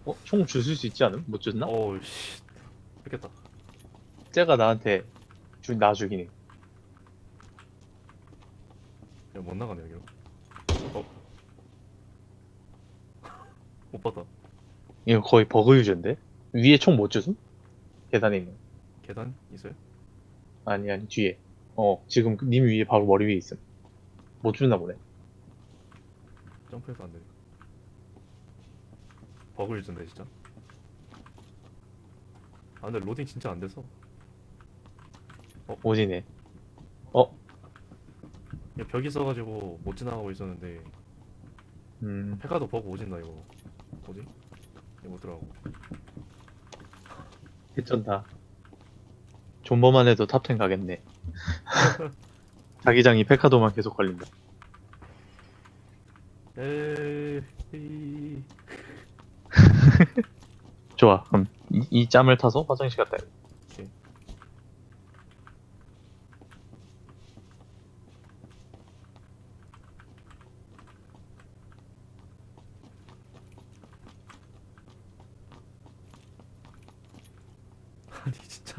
총 주실 수 있지 않음? 못 줬나? 어우 씨 뺏겼다. 쟤가 나한테 나 죽이네. 야, 못 나가네 여기로. 어? 못 봤다. 이거 거의 버그 유저인데? 위에 총 못 줬음? 계단에 있는. 계단 있어요? 아니, 뒤에. 지금 님 위에 바로 머리 위에 있음. 못 줬나 보네. 점프해서 안 되네. 버그를 준대 진짜. 아 근데 로딩 진짜 안 돼서. 오지네. 어? 야, 벽이 있어가지고 못 지나가고 있었는데 페카도 버그 오진다 이거. 뭐지? 이거 못 들어가고. 개쩐다. 존버만 해도 탑10 가겠네. 자기장이 페카도만 계속 걸린다. 에이. 좋아. 그럼 이 짬을 타서 화장실 갔다 야 오케이. 아니 진짜.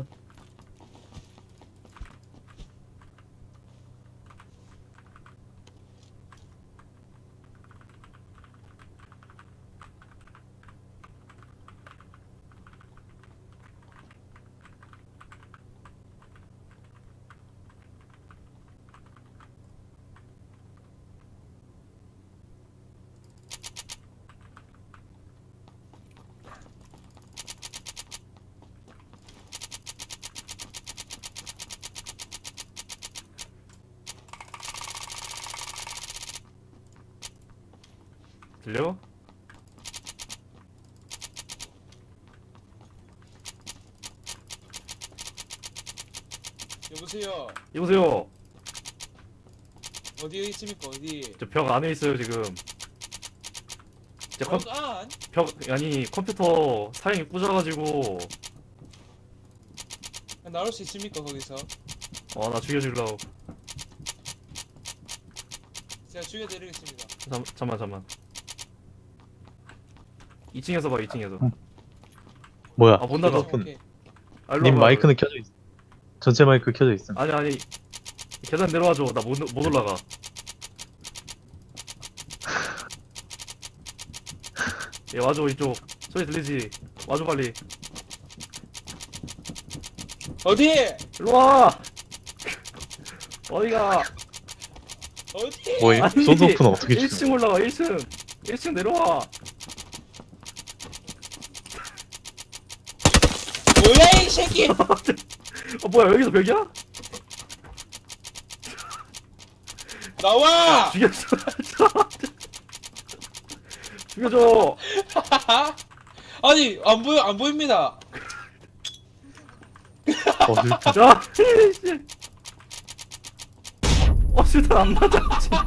들려? 여보세요. 여보세요. 어디에 있습니까? 어디? 저 벽 안에 있어요 지금. 안? 벽 아니 컴퓨터 사양이 부져가지고. 나올 수 있습니까? 거기서? 나 죽여주려고. 제가 죽여드리겠습니다. 잠만. 2층에서 봐 2층에서. 뭐야? 아 못 나가. 오픈. 오케이. 아, 일로 님 와봐. 마이크는 켜져 있어. 전체 마이크 켜져 있음. 아니 계단 내려와줘. 나 못 올라가. 얘 와줘 이쪽. 소리 들리지? 와줘 빨리. 어디? 일로 와. 어디가? 어디? 뭐임? 아니, 손소프는 어떻게 1층 죽여? 올라가 1층. 1층 내려와. 뭐야 이 새끼! 뭐야 여기서 벽이야? 나와! 죽였어. 죽여줘. 아니 안 보입니다. 슬픈. 야, 씨. 실탄 안 맞아.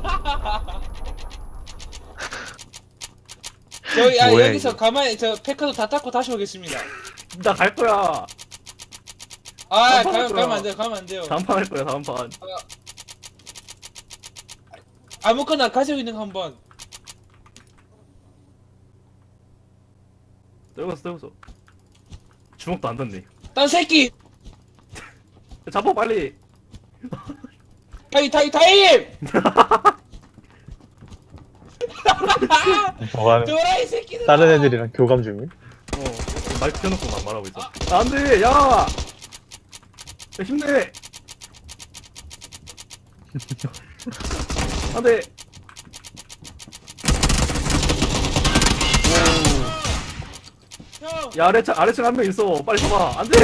저희 뭐야, 여기서 이게. 가만히 저 페카도 다 닦고 다시 오겠습니다. 나 갈 거야. 아 한판 할 거야. 가면 안 돼요. 가면 안 돼요. 다음 판 할 거야. 다음 판. 아무거나 가지고 있는 거 한번. 떨궜어. 주먹도 안 닿네. 딴 새끼! 잡아 빨리. 타임! 뭐하는? 도라이 새끼들! 다른 애들이랑 교감 중임? 마이크 켜놓고 막 말하고 있어. 안 돼. 야, 힘내. 안 돼. 형! 야, 아래층 한 명 있어. 빨리 잡아. 안 돼.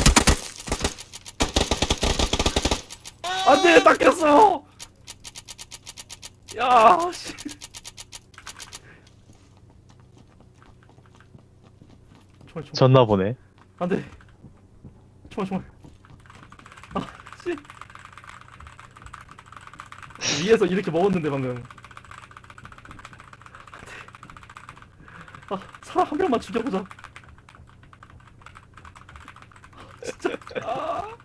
안 돼. 딱 꼈어. 야, 씨. 총알. 졌나 보네. 안 돼. 총알. 아, 씨. 위에서 이렇게 먹었는데 방금. 아, 사람 한 명만 죽여보자. 진짜. 아.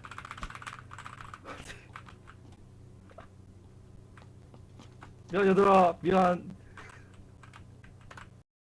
미안 얘들아, 미안.